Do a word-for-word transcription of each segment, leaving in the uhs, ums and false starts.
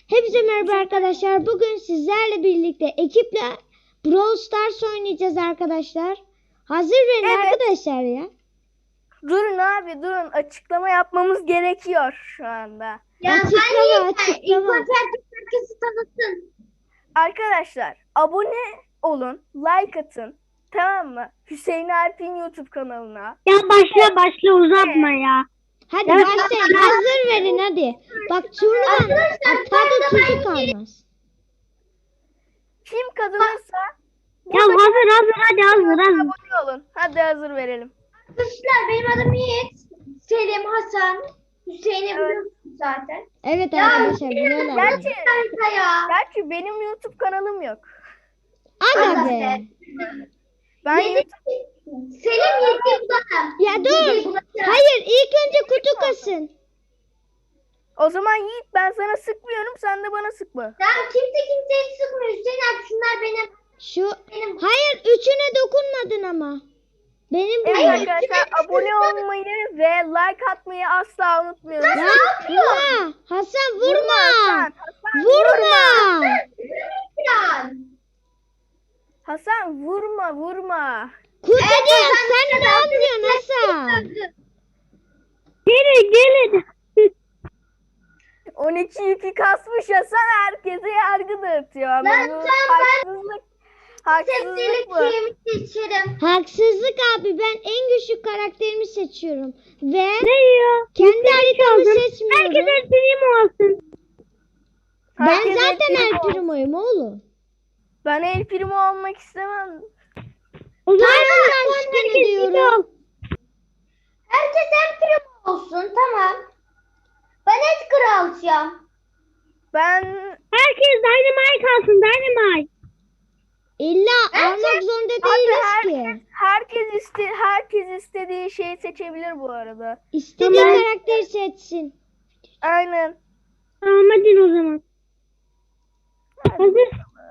Hepinize merhaba arkadaşlar. Bugün sizlerle birlikte ekiple Brawl Stars oynayacağız arkadaşlar. Hazır verin Evet. arkadaşlar ya. Durun abi durun. Açıklama yapmamız gerekiyor şu anda. Ya Açıklama, hani açıklama. ilk önce herkesi tanıtın. Arkadaşlar abone olun. Like atın. Tamam mı? Hüseyin Alp'in YouTube kanalına. Ya başla başla uzatma ya. Hadi başlayın. Hazır verin hadi. Bak turnuvan tadı tuzu kalmaz. Kim kazanırsa Ya hazır hazır hadi hazır hazır. abone olun. Hadi hazır verelim. Arkadaşlar benim adım Yiğit. Selim Hasan. Hüseyin'i biliyorsunuz zaten. Evet arkadaşlar biliyorlar. Gerçi, Harika ya. gerçi benim YouTube kanalım yok. Aga be. Ben Yedi- YouTube- Selim yedi bulalım. Ya dur. Hayır ilk önce kutu kasın. O zaman Yiğit ben sana sıkmıyorum. Sen de bana sıkma. Tamam kimse kimseyi sıkmıyor. Hüseyin abi şunlar benim. Şu Benim. hayır üçüne dokunmadın ama. Benim bu. Evet arkadaşlar abone olmayı ve like atmayı asla unutmuyoruz. Ya vurma. Hasan vurma. Hasan, Hasan Vurma. Plan. Hasan vurma vurma. Kutu Evet, diyor. Hasan, Sen ne Hasan, yapıyorsun Hasan? Gelin gelin. on iki yükü kasmış Hasan herkese yargı dağıtıyor. Ama Ben- bu ben- haksızlık. Haksızlık Sebzelik bu. yemiş içerim. Haksızlık abi, ben en güçlü karakterimi seçiyorum. Ve Ne ya? kendi haritamı seçmiyorum. Herkes prim olsun. Ben Herkes El zaten Primo. El Primo'yum oğlum. Ben El Primo olmak istemem. O zaman Tamam, ben skin ediyorum. Herkes en prim olsun tamam. Ben et kralcıyım. Ben Herkes Dynamite alsın Dynamite. İlla almak zorunda abi değiliz herkes, ki. herkes iste herkes istediği şeyi seçebilir bu arada. İstediği Tamam. karakteri seçsin. Aynen. Tamam hadi o zaman. Hazır.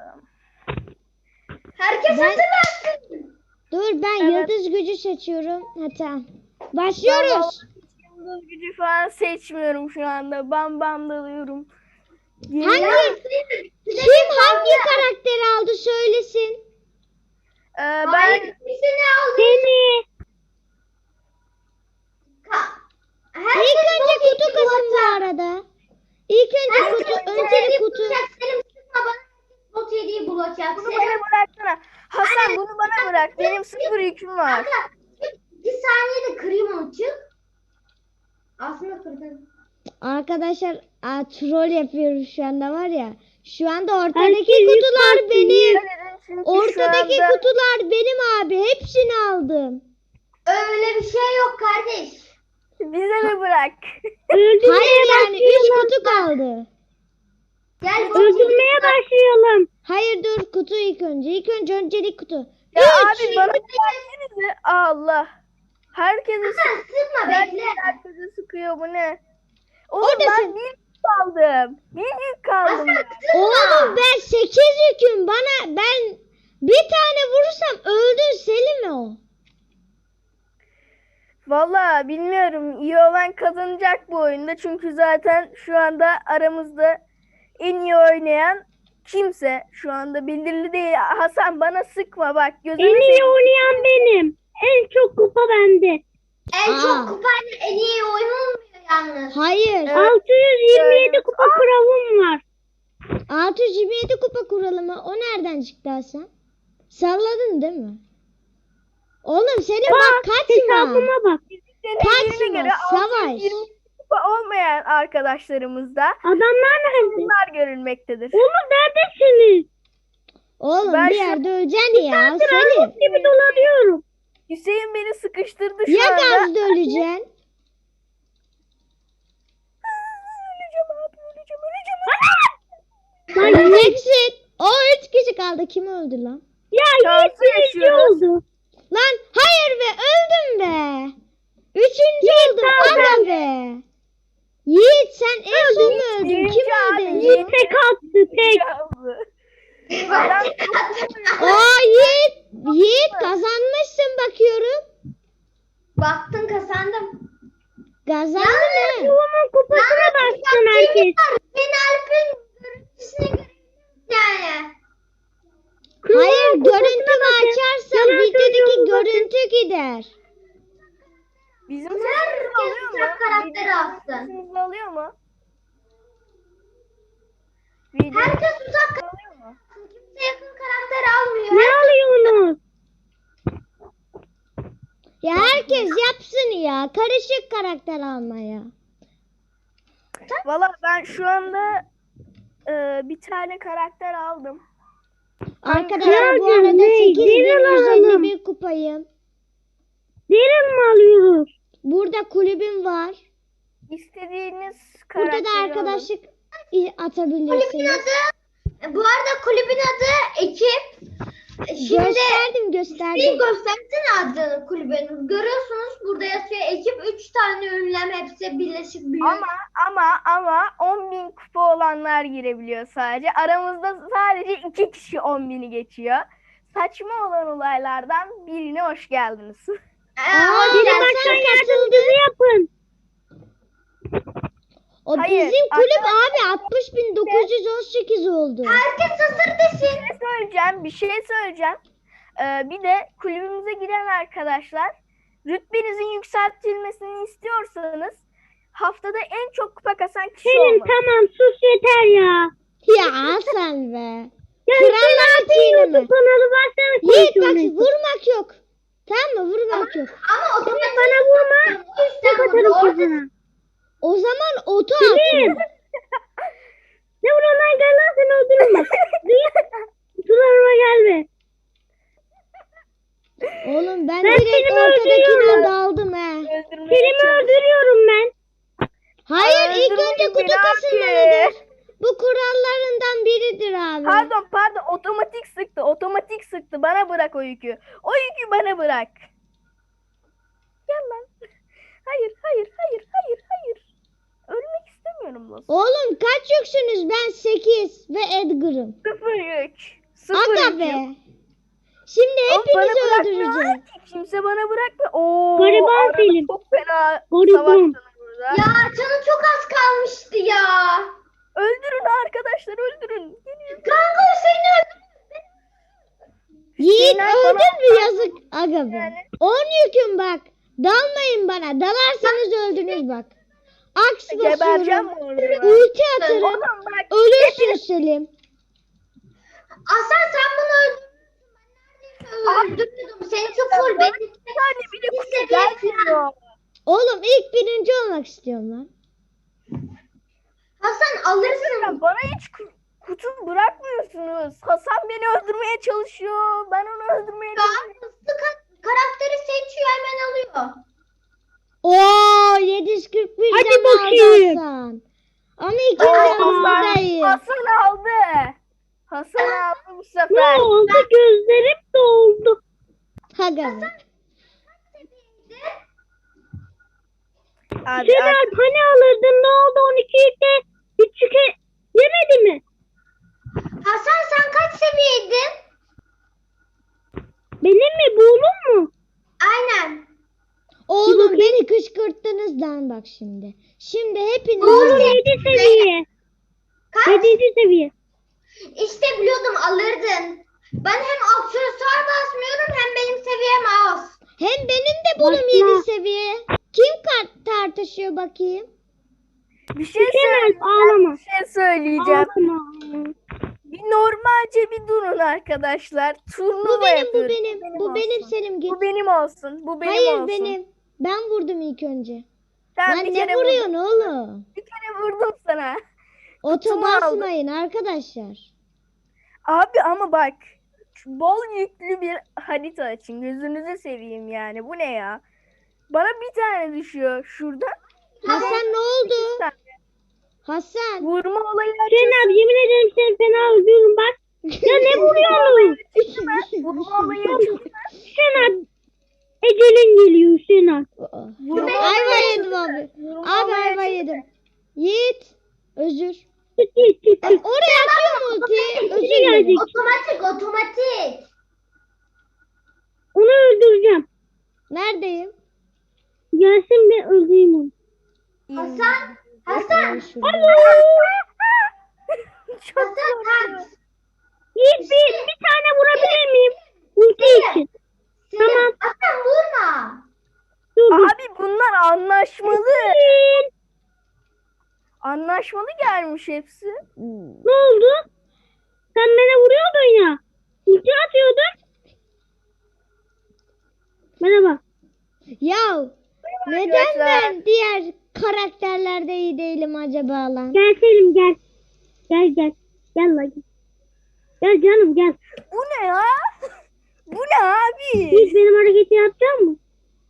Herkes Ben- hazırlansın. Dur ben Evet. yıldız gücü seçiyorum. Ha tamam. Ben Başlıyoruz. vallahi yıldız gücü falan seçmiyorum şu anda. Bam bam dalıyorum. Hangi kim hangi karakteri aldı söylesin. Ee, Ben ben seni aldım. Seni. İlk önce kutu kasın bu arada. İlk önce kutu, öncelik kutu. Selim sıkma bana. Bot yediği bulacak. bunu Selim. bana bıraksana. Hasan bunu bana bırak. Benim sıfır yüküm var. Kanka bir saniyede kırayım onu çık. Aslında kırdın. Arkadaşlar a, troll yapıyorum şu anda var ya. Şu anda ortadaki kutular benim. Çünkü Ortadaki şu anda- kutular benim abi. Hepsini aldım. Öyle bir şey yok kardeş. Bize mi bırak? Hayır yani üç kutu kaldı. Gel bot Öldürmeye başlayalım. Hayır dur kutu ilk önce. İlk önce öncelik kutu. Ya Üç. abi bana versenize. Allah. Herkes Sen sıkma bekle. herkese sıkıyor bu ne? Oğlum Oradasın. ben bir yük kaldım. Bir yük kaldım. Hasan sıkma. Oğlum ben sekiz yüküm. Bana ben bir tane vurursam öldün Selim o. Valla bilmiyorum. İyi olan kazanacak bu oyunda. Çünkü zaten şu anda aramızda en iyi oynayan kimse şu anda belirli değil. Hasan bana sıkma bak. Gözünü En iyi seveyim. oynayan benim. En çok kupa bende. En Aa. çok kupayla en iyi oynanmıyor yalnız. Hayır. Evet. altı yüz yirmi yedi Evet. kupa kralım var. altı yüz yirmi yedi kupa kuralı mı? O nereden çıktı Hasan? Salladın değil mi? Oğlum senin bak kaçma. Hesabıma bak. Deneylerine göre Kaçma, savaş. altı yüz yirmi kupa olmayan arkadaşlarımızda Adamlar nerede? bunlar görülmektedir. Oğlum neredesiniz? Oğlum Ben bir şu- yerde öleceksin ya Ben Selim. armut gibi dolanıyorum. Hüseyin beni sıkıştırdı şu Ya anda. gazda öleceksin. Öleceğim abi öleceğim öleceğim. Lan Öleceksin. O üç kişi kaldı. Kim öldü lan? ya Şansı Yiğit birinci yaşıyoruz. oldu. Lan hayır be öldüm be. Üçüncü oldum aga be. Yiğit sen en son mu öldün? Birinci Kim abi, öldü en Yiğit son? tek attı tek. Adam Aa Yiğit. Yiğit kazanmışsın bakıyorum. Baktın kazandım. Kazandın mı? Yuvamın kupasına baksın herkes. Ben Alp'in Bizim Herkes sesimizi alıyor mu? uzak karakteri Bizim alsın. sesimizi alıyor mu? Video Herkes uzak alıyor mu? Kimse yakın karakter almıyor. Ne alıyorsunuz? Ya herkes yapsın ya. Karışık karakter almaya. Valla ben şu anda e, bir tane karakter aldım. Arkadaşlar bu Nerede? arada Ne? sekiz bin Nereden yüz elli alalım? bir kupayım. Derin mi alıyoruz? Burada kulübüm var. İstediğiniz Burada karakteri da alın. arkadaşlık i- Kulübün atabilirsiniz. adı, bu arada kulübün adı ekip. Şimdi Gösterdim bir gösterdim. göstersene adını kulübün. Görüyorsunuz burada yazıyor ekip üç tane ünlem hepsi birleşik büyük. Ama ama ama on bin kupa olanlar girebiliyor sadece. Aramızda sadece iki kişi on bini geçiyor. Saçma olan olaylardan birine hoş geldiniz. Ee, Aa, hoş biri geldin. baştan katıldı. Yardımcımızı yapın. O Hayır, bizim kulüp abi altmış bin dokuz yüz on sekiz oldu. Herkes hazır desin. Bir şey söyleyeceğim, bir şey söyleyeceğim. Ee, bir de kulübümüze giren arkadaşlar, rütbenizin yükseltilmesini istiyorsanız haftada en çok kupa kasan kişi Senin olmalı. tamam sus yeter ya. Ya Hasan be. Ya Krallar sen çiğnemi. YouTube kanalı varsana Yiğit bak konuşuyorsun. vurmak yok. Tamam mı? Vurmak yok. Ama otomatik Bana vurma. o yüzden Tek burada atarım orada kızına. O zaman oto Kim? atıyor. Ne vuruyorsun lan gel lan seni öldürürüm bak. Sularıma gelme. Oğlum ben, Ben direkt seni ortadakine öldürüyorum. daldım he. Öldürmeye Kelimi çalış- öldürüyorum ben. Hayır ilk Öldürmeyin önce kutu beni kasılmalıdır. abi. Bu kurallarından biridir abi. Pardon pardon otomatik sıktı otomatik sıktı bana bırak o yükü. O yükü bana bırak. Gel lan. Hayır hayır hayır hayır hayır. Ölmek istemiyorum lan. Oğlum kaç yüksünüz? Ben sekiz ve Edgar'ım. Sıfır yük. Sıfır Aga yük. be. Şimdi Oğlum, bana hepinizi bırakmıyorlar öldüreceğim. ki. Kimse bana bırakmıyor. Oo, Gariban arada Selim. çok fena Gariban. savaştılar burada. ya canı çok az kalmıştı ya. Öldürün arkadaşlar öldürün. Geliyor. Kanka Hüseyin'i öldürdüm. Yiğit Şeyler bana- öldün mü yazık aga be. Yani. On yüküm bak. Dalmayın bana. Dalarsanız öldünüz bak. Aks Gebereceğim basıyorum. mi orada? Ulti atarım. Oğlum bak. Ölürsün Selim. Aslan sen bunu öldürdün. Ben neredeyse öldürüyordum. Seninki full. Benim Bir tane bile Bir kutu seviye gelmiyor. Oğlum ilk birinci olmak istiyorum lan. Hasan alırsın. Ya bana hiç ku- kutu bırakmıyorsunuz. Hasan beni öldürmeye çalışıyor. Ben onu öldürmeye Ya çalışıyorum. hızlı ka- karakteri seçiyor hemen alıyor. Oo yedi yüz kırk bir Hadi can bakayım. aldı Hasan. Ama ikinci Hasan, olmadayım. Hasan aldı. Hasan aldı bu Ne sefer. oldu gözlerim doldu. Aga be. Abi, Şener abi, hani alırdın ne oldu on ikiye üç yemedi mi? Hasan sen kaç seviyeydin? Benim mi buğulum mu? Aynen. Oğlum beni kışkırttınız lan bak şimdi. Şimdi hepiniz Buğulum yedi seviye. Kaç? yedinci seviye. İşte biliyordum alırdın. Ben hem aksesuar basmıyorum hem benim seviyem az. hem benim de bulum Basma. yedi seviye. Kim kart tartışıyor bakayım? bir şey Şener söyleyeceğim. ağlama. Bir şey söyleyeceğim. Ağlama. Bir normalce bir durun arkadaşlar. Turnuva Bu benim bu yapıyoruz. benim. Bu olsun. benim Selim git. Bu benim olsun. Bu benim Hayır olsun. benim. Ben vurdum ilk önce. Sen Lan bir ne kere vuruyorsun vurdum. oğlum? Bir kere vurdum sana. Oto Kutumu aldım. basmayın arkadaşlar. Abi ama bak. şu bol yüklü bir harita açın. Gözünüzü seveyim yani. Bu ne ya? Bana bir tane düşüyor şuradan. Hasan ne oldu? Bir tane. Hasan. Vurma olayı açıyorsun. Şener yemin ederim seni fena öldürürüm bak. Ya ne vuruyorsun? Vurma olayı açıyorsun. Şener ecelin geliyor Şener. Vurma Ayva olayı yedim abi. Vurma Abi olayı ayva açıyorsun. yedim. Yiğit. Özür. Git git git. Bak oraya atıyorum ultiyi. Özür Biri dilerim. gelecek. Otomatik otomatik. Onu öldüreceğim. Neredeyim? Gelsin bir öldüreyim onu. Hasan. Ben Hasan. şurada. Çok Hasan korkuyorum. kaç. Yiğit bir, bir tane vurabilir miyim? Ulti için. Selim, Tamam. Hasan vurma. Dur dur. Abi bunlar anlaşmalı. Anlaşmalı gelmiş hepsi. Ne oldu? Sen bana vuruyordun ya. Ulti atıyordun. Merhaba. Ya neden arkadaşlar. ben diğer karakterlerde iyi değilim acaba lan? Gel Selim gel. Gel gel. Gel la gel. Gel canım gel. Bu ne ya? Bu ne abi? Hiç benim hareketi yapacak mısın?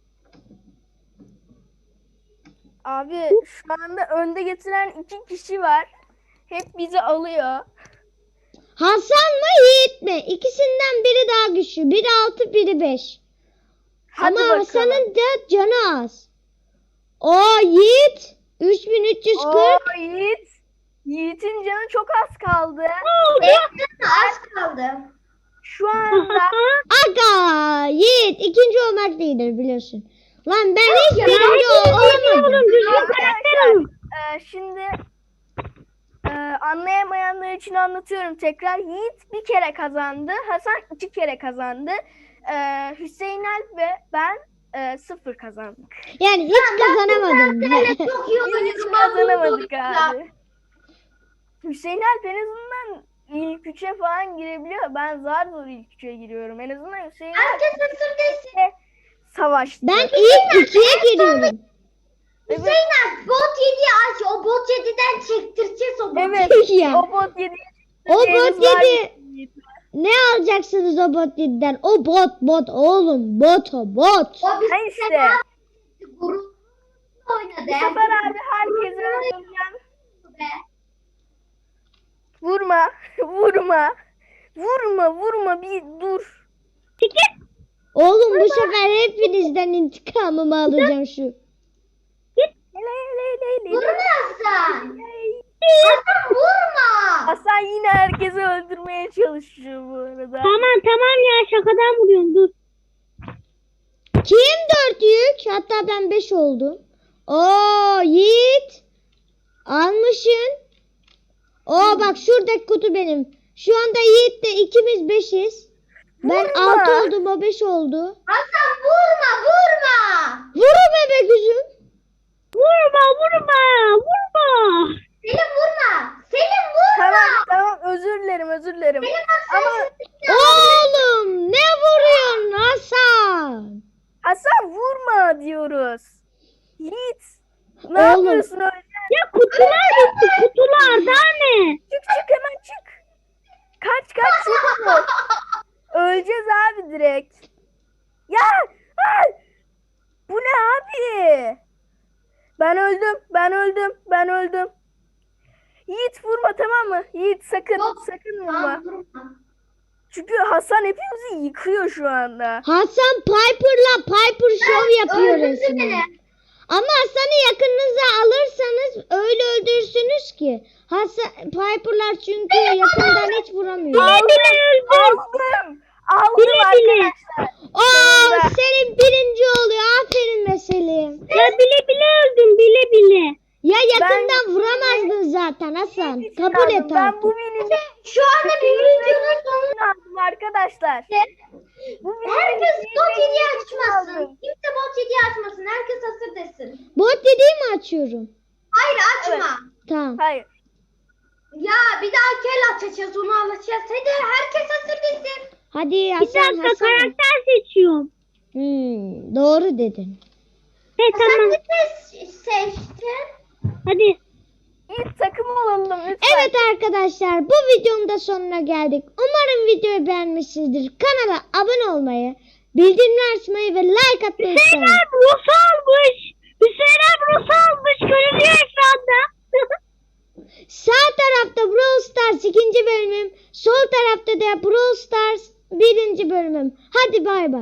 Abi şu anda önde getiren iki kişi var. Hep bizi alıyor. Hasan mı Yiğit mi? İkisinden biri daha güçlü. Biri altı biri beş. Hadi Ama bakalım. Hasan'ın da canı az. O Yiğit üç bin üç yüz Oo, kırk. Yiğit. Yiğit'in canı çok az kaldı. Benim az kaldı. Şu anda Aga Yiğit ikinci olmak değildir biliyorsun. Lan ben hiç ya, birinci ol- olamadım. Oğlum düzgün karakter olun. e, şimdi e, anlayamayanlar için anlatıyorum tekrar. Yiğit bir kere kazandı. Hasan iki kere kazandı. E, Hüseyin Alp ve ben e, sıfır kazandık. Yani hiç kazanamadım. Evet, çok iyi Biz hiç oynuyorum. kazanamadık Ya. abi. Hüseyin Alp en azından ilk üçe falan girebiliyor. Ben zar zor ilk üçe giriyorum. En azından Hüseyin Alp Herkes hazır değilsin. savaştı. Ben ilk ikiye giriyorum. Hüseyin abi bot yediği aç. O bot yediden çektireceğiz o botu. Evet. Ya. O bot yedi. O bot yedi. Ne alacaksınız o bot yediden? O bot bot oğlum bot o bot. O bir Ha işte. sefer grup oynadı. Bu sefer abi herkese öldüreceğim. Be. Vurma. Vurma. Vurma. Vurma. Bir dur. Oğlum bu sefer hepinizden intikamımı alacağım şu. Hele hele hele hele. Vurma Hasan. Hasan vurma. Hasan yine herkesi öldürmeye çalışıyor bu arada. Tamam tamam ya şakadan vuruyorum dur. Kim dört yük? Hatta ben beş oldum. Oo Yiğit. Almışsın. Oo bak şuradaki kutu benim. Şu anda Yiğit'le ikimiz beşiz. Ben Vurma. altı oldum o beş oldu. Hasan vurma vurma. Vurun be gözüm. Vurma vurma vurma. Selim vurma. Selim vurma. Tamam tamam özür dilerim özür dilerim. Benim Ama Oğlum ne vuruyorsun Hasan? Hasan vurma diyoruz. Yiğit. Ne Oğlum. yapıyorsun öyle? Ya kutular bitti kutular daha ne? Çık çık hemen çık. Kaç kaç çabuk. Öleceğiz abi direkt. Ya! Ay! Bu ne abi? Ben öldüm. Ben öldüm. Ben öldüm. Yiğit vurma tamam mı? Yiğit sakın Yok. sakın vurma. Tamam, vurma. Çünkü Hasan hepimizi yıkıyor şu anda. Hasan Piper'la Piper Show yapıyor Öldürdü resmen. beni. Ama Hasan'ı yakınınıza alırsanız öyle öldürürsünüz ki. Hasan Piper'lar çünkü yakından hiç vuramıyor. Aldım. Aldım. Aldım Bile bile. arkadaşlar. Oo Sonunda. Selim birinci oluyor. Aferin be Selim. Ya bile bile öldüm bile bile. Ya yakından vuramazdın zaten Hasan. Hiç Kabul aldım. et Ben artık. bu videonun Şu anda bir videonun sonunda aldım arkadaşlar. Bu herkes videonun bot yediği aldım. açmasın. Kimse bot yediği açmasın. Herkes hazır desin. Bot dediği mi açıyorum? Hayır açma. Tamam. Hayır. Ya bir daha kel açacağız onu alacağız. Hadi herkes hazır desin. Hadi Bir Hasan dakika Hasan. karakter seçiyorum. Hmm, doğru dedin. He Sen tamam de se- seçtin. hadi. İlk takım olalım lütfen. Evet arkadaşlar bu videonun da sonuna geldik. Umarım videoyu beğenmişsinizdir. Kanala abone olmayı, bildirimleri açmayı ve like atmayı Hüseyin unutmayın. abi Rus almış. Hüseyin abi Rus almış. Görünüyor ekranda. Sağ tarafta Brawl Stars ikinci bölümüm, sol tarafta da Brawl Stars birinci bölümüm. Hadi bay bay.